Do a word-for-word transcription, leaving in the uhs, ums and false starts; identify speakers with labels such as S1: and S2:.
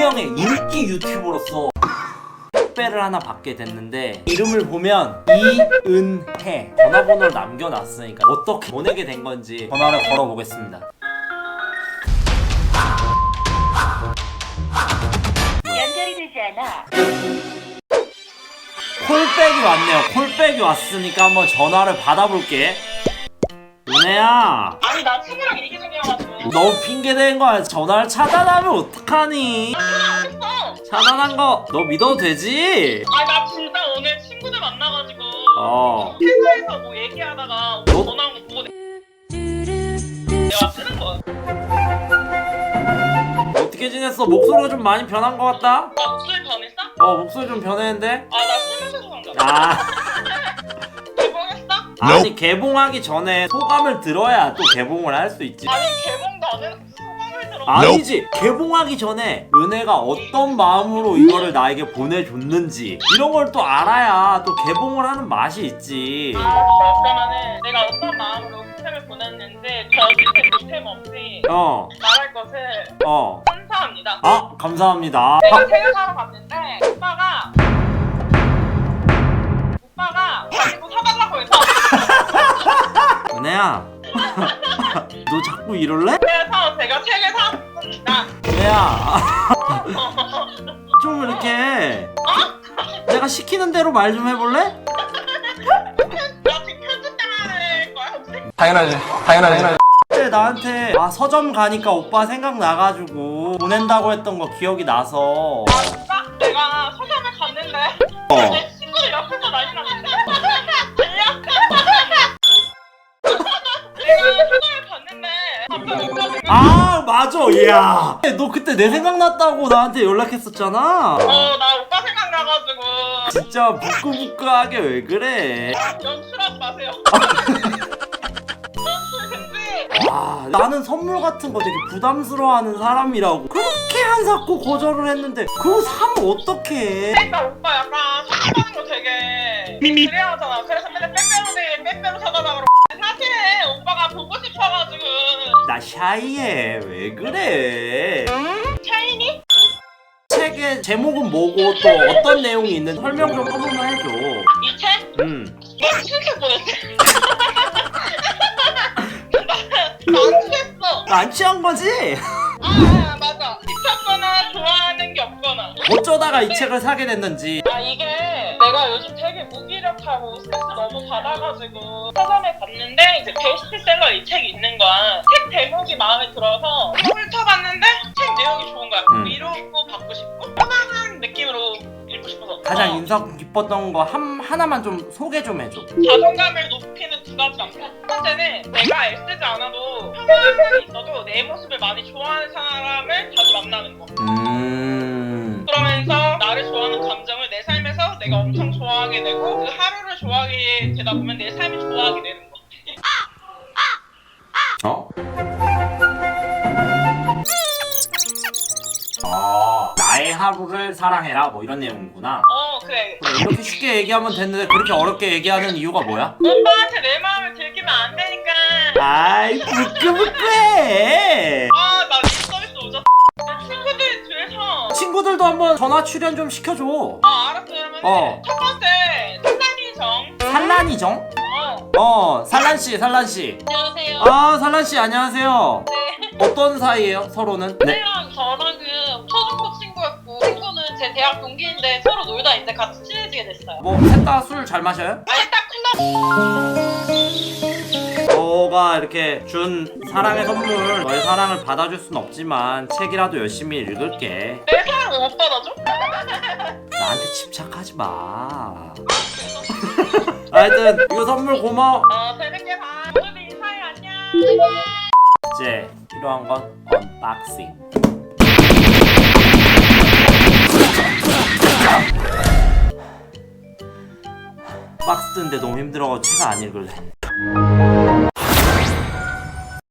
S1: 명의 인기 유튜버로서 택배를 하나 받게 됐는데 이름을 보면 이은혜. 전화번호를 남겨놨으니까 어떻게 보내게 된 건지 전화를 걸어보겠습니다.
S2: 연결이 되지 않아.
S1: 콜백이 왔네요. 콜백이 왔으니까 한번 전화를 받아볼게. 은혜야,
S3: 아니 나 친구랑 얘기 중이어가지고.
S1: 너무 핑계대는 거야. 전화를 차단하면 어떡하니?
S3: 했어.
S1: 차단한 거 너 믿어도 되지?
S3: 아니 나 진짜 오늘 친구들 만나가지고
S1: 어.
S3: 회사에서 뭐 얘기하다가
S1: 너?
S3: 전화 온 거 보고 내- 내가 쓰는 거야.
S1: 어떻게 지냈어? 목소리가 좀 많이 변한 것 같다?
S3: 나 목소리 변했어?
S1: 어, 목소리 좀 변했는데?
S3: 아 나 술 마셔서 그런가 봐.
S1: 아,
S3: 개봉했어?
S1: 아니 개봉하기 전에 소감을 들어야 또 개봉을 할 수 있지.
S3: 아니 개봉도 안 해서 소감을 들어.
S1: 아니지, 개봉하기 전에 은혜가 어떤 마음으로 이거를 나에게 보내줬는지 이런 걸 또 알아야 또 개봉을 하는 맛이 있지.
S3: 아 그러면은 내가 어떤 마음으로 스팸을 보냈는지 거짓의 보탬 없이
S1: 어,
S3: 말할 것을
S1: 어.
S3: 감사합니다.
S1: 아, 감사합니다.
S3: 내가 책을 사러 갔는데 오빠가 오빠가 가지고 사달라고 해서
S1: 은혜야, 너 자꾸 이럴래?
S3: 그래서 제가 책을 샀습니다.
S1: 은혜야, 좀 이렇게 내가 시키는 대로 말 좀 해볼래?
S3: 나 지금 편집당할 거야 혹시?
S4: 당연하지, 당연하지.
S1: 그때 나한테 아 서점 가니까 오빠 생각나가지고 보낸다고 했던 거 기억이 나서.
S3: 아 진짜? 내가 서점에 갔는데
S1: 어.
S3: 내 친구들 옆에서 난리 났는데 들려? 내가 서점에 갔는데 갑자기 오빠가
S1: 아 맞아, 이야 너 그때 내 생각났다고 나한테 연락했었잖아.
S3: 어나 오빠 생각나가지고
S1: 진짜 부끄부끄하게 왜 그래.
S3: 연출하지 마세요. 연출 금지.
S1: 와, 나는 선물 같은 거 되게 부담스러워하는 사람이라고 그렇게 안 샀고 거절을 했는데 그거 사면 어떡해.
S3: 그러니까 오빠 약간 선물하는 거 되게 그래야 하잖아. 그래서 맨날 빼빼로데 빼빼로 사달라 그러고 사실 오빠가 보고 싶어가지고.
S1: 나 샤이해, 왜 그래.
S3: 샤이니?
S1: 책의 제목은 뭐고 또 어떤 내용이 있는 설명 좀 한 번만 해줘.
S3: 이 책?
S1: 음.
S3: 나 진짜 보냈지. 나안 취했어.
S1: 안 취한 거지?
S3: 아 맞아. 미쳤거나 좋아하는 게 없거나.
S1: 어쩌다가 이 책을 사게 됐는지.
S3: 아 이게 내가 요즘 되게 무기력하고 스트레스 너무 받아가지고 서점에 갔는데 이제 베스트셀러 이 책이 있는 거야. 책 제목이 마음에 들어서 훑어봤는데 책 내용이 좋은 거야.
S1: 음.
S3: 위로고 받고 싶고 편안한 느낌으로 읽고 싶어서.
S1: 가장
S3: 어.
S1: 인상 깊었던 거 한, 하나만 좀 소개 좀 해줘.
S3: 자존감을 높이는 두 가지 방법. 첫 번째는 내가 애쓰지 않아도 평범한 사람이 있어도 내 모습을 많이 좋아하는 사람을 자주 만나는 거.
S1: 음.
S3: 그러면서 나를 좋아하는 감정을 내 삶에서 내가 엄청 좋아하게 되고 그 하루를 좋아하게 되다 보면 내 삶이 좋아하게 되는 거.
S1: 어? 아, 나의 하루를 사랑해라 뭐 이런 내용이구나.
S3: 어 그래.
S1: 그래, 이렇게 쉽게 얘기하면 됐는데 그렇게 어렵게 얘기하는 이유가 뭐야?
S3: 오빠한테 내 마음을 들키면 안 되니까.
S1: 아이, 부끄부끄해.
S3: 아나 서비스 오졌어. 내 친구들 뒤에서.
S1: 친구들도 한번 전화 출연 좀 시켜줘.
S3: 아 알았어. 그러면
S1: 어.
S3: 첫 번째 산란이정.
S1: 산란이정?
S3: 어.
S1: 어, 산란씨, 산란씨.
S3: 안녕하세요.
S1: 아, 산란씨, 안녕하세요.
S3: 네.
S1: 어떤 사이예요, 서로는? 네.
S3: 혜랑 저랑은 초중고 친구였고 친구는 제 대학 동기인데 서로 놀다 이제 같이 친해지게 됐어요.
S1: 뭐, 셋 다 술 잘 마셔요?
S3: 아니 딱 콜라.
S1: 너가 이렇게 준 사랑의 선물, 너의 사랑을 받아줄 순 없지만 책이라도 열심히 읽을게.
S3: 내 사랑을 못 받아줘?
S1: 나한테 집착하지 마. 하여튼 이거 선물 고마워.
S3: 어 재밌게 봐. 오늘도 인사해. 안녕.
S1: 이제 필요한 건 언박싱. 박스 뜨는데 너무 힘들어가지고 책 안 읽을래.